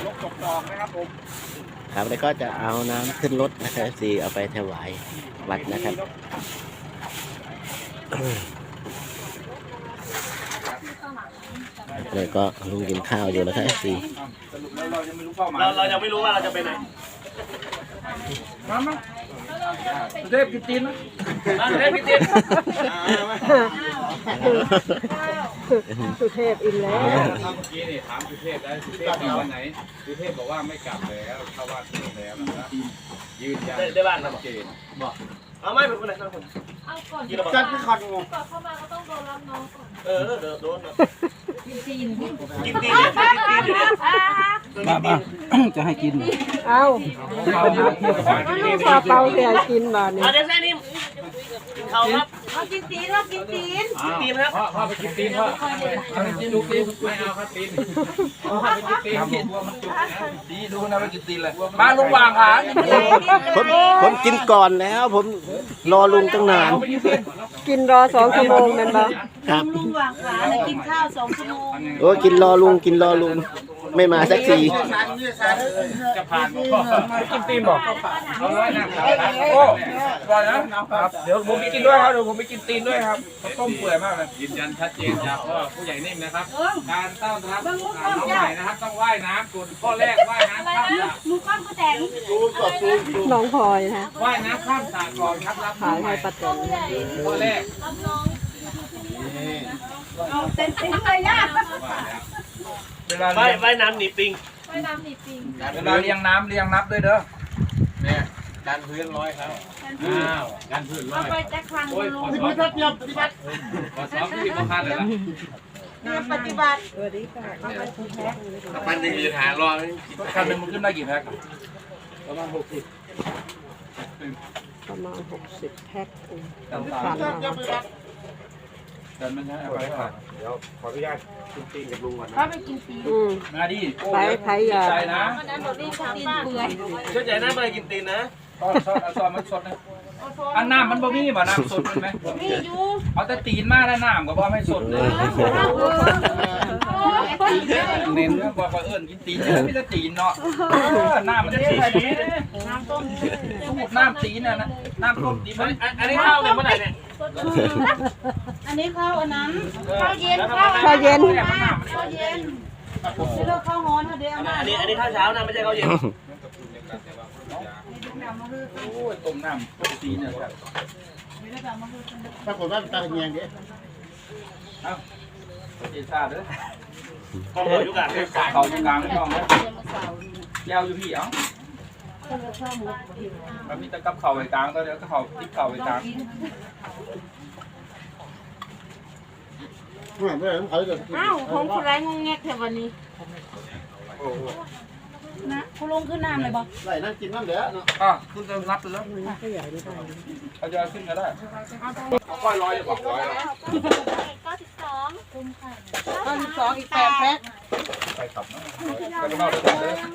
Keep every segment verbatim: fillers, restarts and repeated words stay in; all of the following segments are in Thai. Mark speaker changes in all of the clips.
Speaker 1: ลกตกดอกนะครับผม
Speaker 2: ครับแล้วก็จะเอาน้ำขึ้นรถนะครับสีเอาไปถวายวัดนะครับเลยก็ลุงกินข้าวอยู่นะครับสี
Speaker 1: เรายังไม่รู้เป้าหมาย
Speaker 3: เราเรายังไม่รู้ว่าเราจะไปไหน
Speaker 1: มามาสุเทพกินตีนนะ
Speaker 3: สุเทพกินตีน
Speaker 4: สุเทพอิ่มแล้ว
Speaker 1: เมื่อกี้นี่ถามสุเทพแล้วสุเทพกลับวันไหนสุเทพบอกว่าไม่กลับแล้วเข้าวัดแล้วนะครับยืนยัน
Speaker 3: ได้บ้านนะ
Speaker 1: ชัดเจน
Speaker 3: บอกเอาไม่เป็นคนไหนทั้งคน
Speaker 5: เอาก่อน
Speaker 3: กินแล้วบอก
Speaker 1: จัดที่คอนงง
Speaker 5: ก่อนเข้ามาก็ต้องโดนรับน้องก่อน
Speaker 3: เออเดี๋ยวโดน
Speaker 5: กินตีน
Speaker 3: กินตีนเนี่ยกินตีนอยู่เนี่ย
Speaker 6: บ้าบ้าจะให้กิน
Speaker 4: เอาปลาเปาเสียกินมาเนี่ย
Speaker 3: เดี๋ยวแค่นี้กินข้าวครับ
Speaker 5: เอากินตีนเรากินตีน
Speaker 3: กินตีนครับ
Speaker 1: พ่อพ่อไปกินตีนพ่อเอาไปกินลูกตีนไม่เอาครับตีนพ่อไปกินตีนบัวมันจุกนะตีดูนะไปกินตีนเลยมาลุงวางขา
Speaker 2: ผมผมกินก่อนแล้วผมรอลุงตั้งนาน
Speaker 4: กินรอสองชั่วโมงนั่นปะ
Speaker 2: ครับ
Speaker 5: ลุงวางขาเลยกินข้าวสองชั่วโมง
Speaker 2: โอ้กินรอลุงกินรอลุงไม่มาสักที
Speaker 1: จะผ่านพ่อกินตีนบอกเอาเลยนะครับโอ้ก่อนนะครับเดี๋ยวผมไปกินด้วยครับเดี๋ยวผมไปกินตีนด้วยครับต้มเปื่อยมากเลยยืนยันชัดเจนจากพ่อผู้ใหญ่นิ่มนะครับการต้อนรับน้องใหม่นะครับต้องว่ายน้ำส่วนข้อแรกว่ายน้ำข้ามสระ
Speaker 5: หมูก้อนก็แตง
Speaker 4: น้องพลอยนะ
Speaker 1: ว่ายน้ำข้ามสระก่อนครับรับ
Speaker 4: ขายให้ปัจจัย
Speaker 1: ข้อแรก
Speaker 5: รับน้องเอาเต็มตีนเลยย่า
Speaker 1: เวลา
Speaker 3: ว่าย
Speaker 1: เลี้ยง
Speaker 3: ว่ายน้ำหนีปิง
Speaker 5: ไปน้ำหนีปิง
Speaker 1: เวลาเลี้ยงน้ำเลี้ยงนับด้วยเด้อ
Speaker 3: เนี่ยดันพื้นร้อยครับอ้าวดันพื้นร้
Speaker 5: เอา
Speaker 3: อย
Speaker 5: ไปแจ็คครั้ง
Speaker 3: โอ้ย
Speaker 5: ล
Speaker 3: ของ สอบเดียวปฏิบัติขอสอบที่ประพันธ์เลยละ
Speaker 5: เนี่ยปฏิบัติ
Speaker 4: สวัสดีค่ะ
Speaker 3: ประพันธ์จะมีปัญหารอ
Speaker 1: คันหนึ่งมันขึ้นได้กี่แพ็คประมาณหกสิบ
Speaker 4: ประมาณหกสิบแพ็คเอง
Speaker 1: ต่าง
Speaker 4: ผ่านมา
Speaker 1: ๆแต่มันใช้เอาไปผ่าน
Speaker 3: เดี๋ยวขออนุญาตกินตีนกับลุงก่อนนะ
Speaker 5: เขาไปกินตีน
Speaker 4: อืม
Speaker 1: มาดิโอ้
Speaker 4: ไปไผยา
Speaker 1: ใจนะ
Speaker 5: วันนั้นเราได้กินตีนเปื่อย
Speaker 3: ช่วยใจนะมากินตีนนะ
Speaker 1: ซอสซอสเอาซอสมันสดนะอันน้ำมันบ่มีบ่น้ำสดเป็นไหม
Speaker 5: นี่อยู่
Speaker 1: เอาแต่ตีนมาแล้วน้ำก็บ่ไม่สดเลยเน้นบอกว่าเอิ้นกินตีนไม่ได้ตีนเนาะน้ำมันเท่ไปนี้
Speaker 5: น้ำต้ม
Speaker 1: น้ำตีนน่ะนะน้ำต้มตีนมัน
Speaker 3: อันนี้ข้าวเนี่ยเมื่อไหร่เนี่ย
Speaker 5: อันนี้ข้าวอันนั้นข้าวเย็น
Speaker 4: ข้าวเย็น
Speaker 5: ข้าวเย็นไม่เลิกข้าวฮ้อนเดี๋ยวเอามา
Speaker 3: อันนี้อันนี้ข้าวเช้านะไม่ใช่ข้าวเย็น
Speaker 1: โอ้ยต้มน้ำต้มตีนเนี่ยครับ
Speaker 3: ปรากฏว่าตาเงียงดิ
Speaker 1: เอ้าเจซ่าเด้อ
Speaker 3: ข้าวอยู่กัน
Speaker 1: เขาอยู่กลางช่องนะแก้วอยู่พี่เอ้ามันมีแต่กับเข่าไว้กลางตอนเดียวก็เข่าติ๊กเข่าไว้กลาง
Speaker 5: อ้าวของคุณไรงงแงกแถววันนี้นะคุณลงขึ้นน้ำเลยบอก
Speaker 3: ไหลนั่งกินน้ำเดี๋ยวเนาะ
Speaker 1: อ่ะคุณจะนับเลย
Speaker 4: ก็ใหญ่ไม่ได้
Speaker 1: เขาจะขึ้นก็ได้เอาก้อยร้อยบอกร้อย
Speaker 5: เก้าสิบสองคุมไข่
Speaker 4: เก้าสิบสองอีกแปดแพ็ค
Speaker 1: ไปขับนะไปเข้าด้วยกันเลย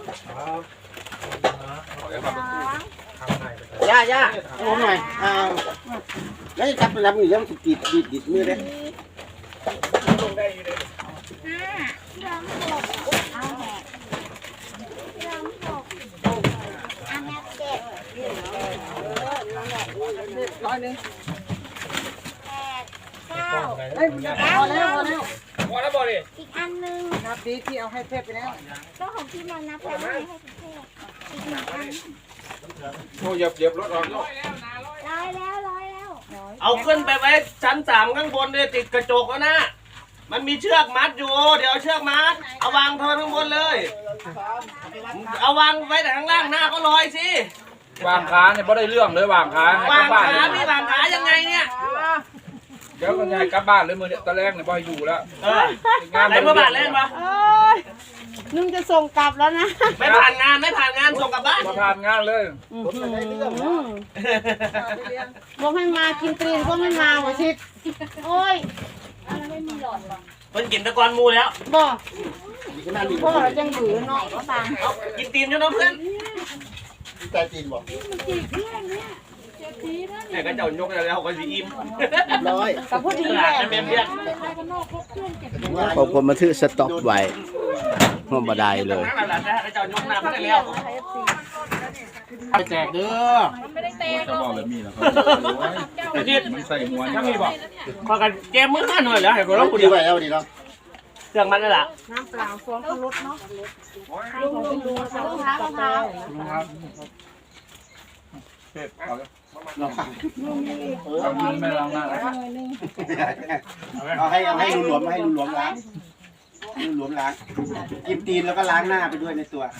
Speaker 1: ขอให้ขับ
Speaker 2: ย่าย่าผมหน่อยอ้าวแล้วจับรับอยู่ยังติดติดติดมือเลย
Speaker 3: ลงได้อยู่เลย
Speaker 5: ห้าสามหกเอาแหกสามหกอันนี้เจ็ด
Speaker 4: ร้อยหนึ่ง
Speaker 5: แปดเก้า
Speaker 4: เอ้ยพอแล้วพอแล้ว
Speaker 1: พอแล้วบอกดิ
Speaker 5: อีกอันหนึ่ง
Speaker 4: นับดีที่เอาให้เทพไปแล้ว
Speaker 5: ก็ของพี่มานับแล้วให้ให้พี่เทพอีกหนึ่งอัน
Speaker 1: โอ้เหยียบเหยียบรถออกแล้ว
Speaker 5: ร้อยแล้วร้อยแล้ว
Speaker 3: เอาขึ้นไปไว้ชั้นสามข้างบนเลยติดกระจกแล้วนะมันมีเชือกมัดอยู่เดี๋ยวเอาเชือกมัดเอาวางเทข้างบนเลยเอาวางไว้แต่ข้างล่างหน้าก็ลอยสิ
Speaker 1: วางขาเนี่ยไม่ได้เรื่องเลยวางขาว
Speaker 3: างขาพี่วางขายังไงเนี่ย
Speaker 1: เดี๋ยวกันยายกลับบ้านเลยมือเนี่ยตอนแรกเนี่ยบ่อยอยู่แล้ว
Speaker 3: เออไหนเมื่อบาทเล่นปะ
Speaker 4: โอ้ยนุ่งจะส่งกลับแล้วนะ
Speaker 3: ไม่ผ่านงานไม่ผ่านงานส่งกลับบ้าน
Speaker 1: มาทานงานเลย
Speaker 4: บอกให้มากินตีนก็ไม่มาหัวชิด
Speaker 5: โอ้ยอันนั้นไม่มีหลอดหรอก
Speaker 3: เพิ่นกินตะกอนมูแล้ว
Speaker 4: บอกพ่อเราจังหือเนาะ
Speaker 5: ก็ฟัง
Speaker 3: เอากินตีนอยู่เนาะเพื่อน
Speaker 2: ใจจีนบอก
Speaker 3: เนี่ยก็เจ้ายกแล้วก็สีอิ่ม
Speaker 2: ร้อย
Speaker 4: กับผู้ดี
Speaker 3: ต
Speaker 4: แห
Speaker 3: ลาด
Speaker 4: ละ
Speaker 3: นั่นเป็นเบี้ย
Speaker 2: ผมผมมาถือสต็อกไว้บ่ได้เลย
Speaker 3: นั่นแหละนะเจ้ายกน้ำได้แล้ว
Speaker 6: ไปแจกเด้อ
Speaker 1: จะบอกแบบนี้นะครับ
Speaker 3: ไอ้ที่
Speaker 1: มันใส่หัว
Speaker 3: ถ้ามีบอกพอกันแกมือห้าหน่อยแล้วให้กูร้องกู
Speaker 2: ดี
Speaker 3: เดียว
Speaker 2: ไว้เอาดีเนาะ
Speaker 3: เครื่องมันนั่นแหละ
Speaker 4: น้ำเปล่าฟองรสเนาะ
Speaker 5: ลุงลุงลุงมะพร้าวมะพร้าว
Speaker 1: ครับเผ็ดเอาเลย
Speaker 2: เราฟัง
Speaker 1: เอามือไม่ล้างหน้าแล้ว
Speaker 2: เอาให้เอาให้รวมๆให้รวมๆล้างรวมๆล้างกินตีนแล้วก็ล้างหน้าไปด้วยในตัว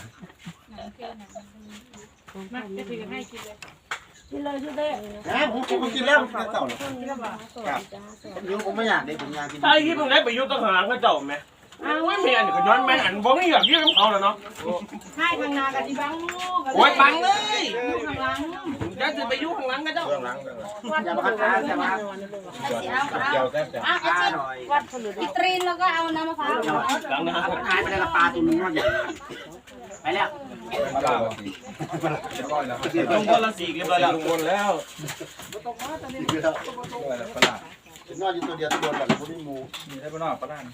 Speaker 4: กินเลยกินเลย
Speaker 2: นะผมผมกินแล้วผมกินเต่าหรอครับผมผมไม่อยากได้ผมอยากกิน
Speaker 3: ไอ้ที่มึงได้ไปยุ่งต้องหาเขาเจ้าไหมอ้าวไม่อันก็ย้อนแม่อันบ่ไม่อยากยื่นเขาแล้วเนาะ
Speaker 4: ให้ทางนากับที่บังลูก
Speaker 3: โอ้ยปังเลย
Speaker 4: ข้างหลัง
Speaker 3: จะจะไปยุ่งข้างหลังก็เจ้า
Speaker 2: อย่ามาค้าอย่ามา
Speaker 1: เกี่ยวแซ่บจ้ะ
Speaker 5: อ่ะไอ้
Speaker 2: ค้า
Speaker 5: จิ๊บ
Speaker 2: หน่อย
Speaker 5: อีตรีนแล้วก็เอาน้ำมะพร้าว
Speaker 3: หลังนะ
Speaker 2: หายไปแล้วปลาตัวนึงว่าใหญ่ไปแล้ว
Speaker 1: มาลาสิเรียบร้อยแล้วครับ
Speaker 3: ลงคนละสี่กันเลยแล้ว
Speaker 1: ลงบนแล้ว
Speaker 2: เดี๋ยว
Speaker 1: อะไรล่ะปลา
Speaker 2: ถึงนอนอยู่ตัวเดียวตัวแบบคนที่มู
Speaker 1: มีได้ปะเนาะปลา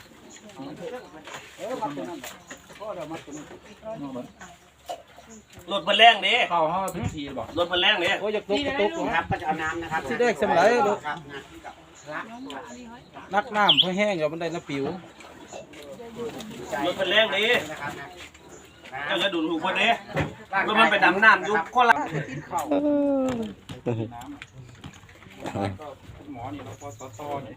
Speaker 3: รถมันแรงดิ
Speaker 1: เข้าห้องพิธีบอก
Speaker 3: รถมันแรงดิ
Speaker 6: โอ้ยอยากตกกระตุก
Speaker 2: ครับก็จะเอาน้ำนะครับ
Speaker 6: สิได้สำไรลูก
Speaker 2: ครับ
Speaker 6: นักน้ำเพื่อแห้งเดี๋ยวมันได้น้ำปิว
Speaker 3: รถมันแรงดิ
Speaker 2: นะครับนะ
Speaker 3: เจ้าจะดูถูกคนดิรถมันไปดำน้ำอยู่คนละ
Speaker 1: หมอนี่เราพอสตอนี่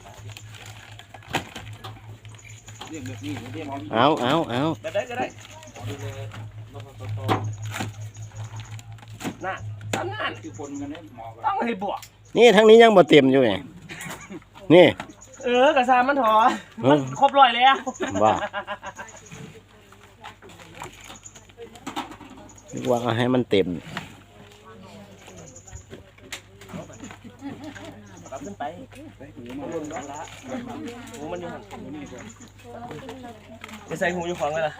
Speaker 1: เรียกแบบนี้เรียกหมอนี่
Speaker 2: เอาเอาเอา
Speaker 3: จะได้จะได้
Speaker 1: หมอดูแลเราพอสตอ
Speaker 3: น่ะสามนั่น
Speaker 1: คือคนกันเนี่ยหมอ
Speaker 3: ต้องให้บวก
Speaker 2: นี่ทั้งนี้ยังบ่เต็มอยู่ไงนี่
Speaker 3: เออกระซามันถอมันครบร้อยแล้ว
Speaker 2: ว่าว่าเอาให้มันเต็ม
Speaker 3: รับขึ้นไปหูมันอยู่จะใส่หูอยู่ของเลยล่ะ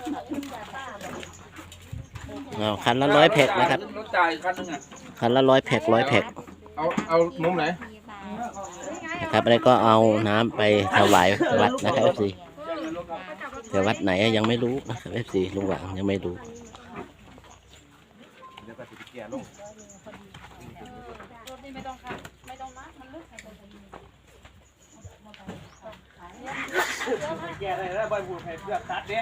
Speaker 2: เอาคันละร้อยแพ็คนะครับ
Speaker 1: รถจ่ายคันนึงอ่ะ
Speaker 2: คันละร้อยแพ็คร้อยแพ็ค
Speaker 1: เอาเอามุมไหน
Speaker 2: นะครับแล้วก็เอาน้ำไปถวายวัดนะครับเอฟซีแต่วัดไหนยังไม่รู้นะครับเอฟซีลุงหวังยังไม่รู้
Speaker 3: แกอะไรแล้วใบหูให้เพื่อนตัดเด้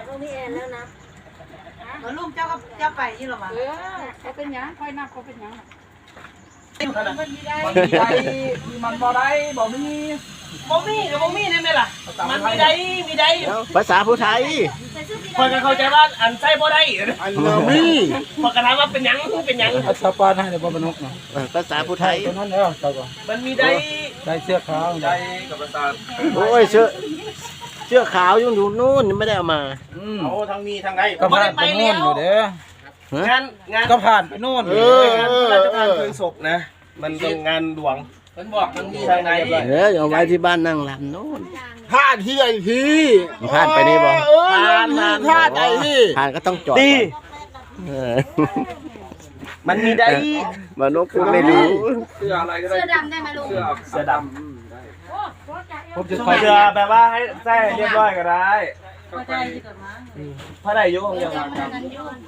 Speaker 4: ลูกเจ้าก็เจ้าไปยี่หรอมาเออเขาเป็นยังค่อยนับเขาเป็นยัง
Speaker 1: มันมีได้มันบ่ได้บ่มี
Speaker 3: บ่มีกับบ่มีได้ไหมล่ะมันมีได้มีได้
Speaker 2: ภาษาผู้ไทย
Speaker 3: คนก็เข้าใจว่าอันใส่บ่ได้
Speaker 2: อันเรามี
Speaker 3: พอกระถามว่าเป็นหยังเป็นหยัง
Speaker 6: อัศปานให้ในบ่บรรนุกเนาะ
Speaker 2: ภาษาผู้ไทย
Speaker 6: ตัวนั้นแล้วเจ้าก็
Speaker 3: มันมีได้
Speaker 6: ได้เสื้อขาว
Speaker 1: ได้กับประสาท
Speaker 2: โอ้ยเสื้อเสื้อขาวยังอยู่นู่นไม่ได้เอามา
Speaker 6: อืม
Speaker 3: โอ้ทางมีทางใด
Speaker 6: ก็ผ่านไปโน่นอยู่เด้อง
Speaker 3: านงาน
Speaker 6: ก็ผ่านไปโน่น
Speaker 2: เอ
Speaker 6: อยู่
Speaker 2: อ
Speaker 3: งานพระราชทานเพลิงศพนะ มันเป็นงานหลวง
Speaker 1: มันบอกมันมี
Speaker 3: ทางไหน
Speaker 2: เออเอาไว้ที่บ้านนั่งรำโน่น
Speaker 7: พลาดที่ไอที
Speaker 2: ผ่านไปนี่บ่
Speaker 7: เออพลาดไอที
Speaker 2: ผ่านก็ต้องจอด
Speaker 3: ดี
Speaker 2: ก่อนเออ
Speaker 3: มันมีได้
Speaker 2: มานกพูดไม่รู้
Speaker 1: เสื้ออะไรก็ได้
Speaker 5: เสื้อดำได้ไหมลุง
Speaker 1: เสื้อ
Speaker 3: เสื้อด
Speaker 6: ผมจะ
Speaker 3: ำ
Speaker 6: คอย
Speaker 3: เสื้อแบบว่าให้ใส่เรียบร้อยก็ได้
Speaker 1: ก็ไป
Speaker 3: พระได้ยุของยัง
Speaker 5: นั้นยุ่ง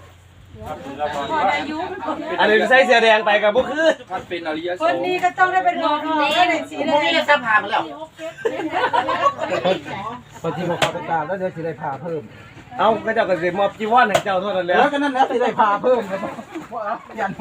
Speaker 3: อันนี้ใส่เสื้อแดงไปกับพวกคือ
Speaker 1: ท่านเป็นอริยส
Speaker 4: คน
Speaker 1: งฆ์
Speaker 4: นี้ก็ต้องได้เป็นหมอทองได้สี
Speaker 2: ผม
Speaker 4: แด
Speaker 2: มี
Speaker 4: ง
Speaker 2: เสื้อผ้ามาแล้ว
Speaker 6: บางทีบอกเขาไปตามแล้วเดี๋ยวสิได้พาเพิ่ม
Speaker 3: เอาก็เจ้าก็สิมอบจีวรให้เจ้าเท่านั้นแหล้ว
Speaker 6: แล้วก็นั่นแล้วสิได้พาเพิ่มครับว่ายัน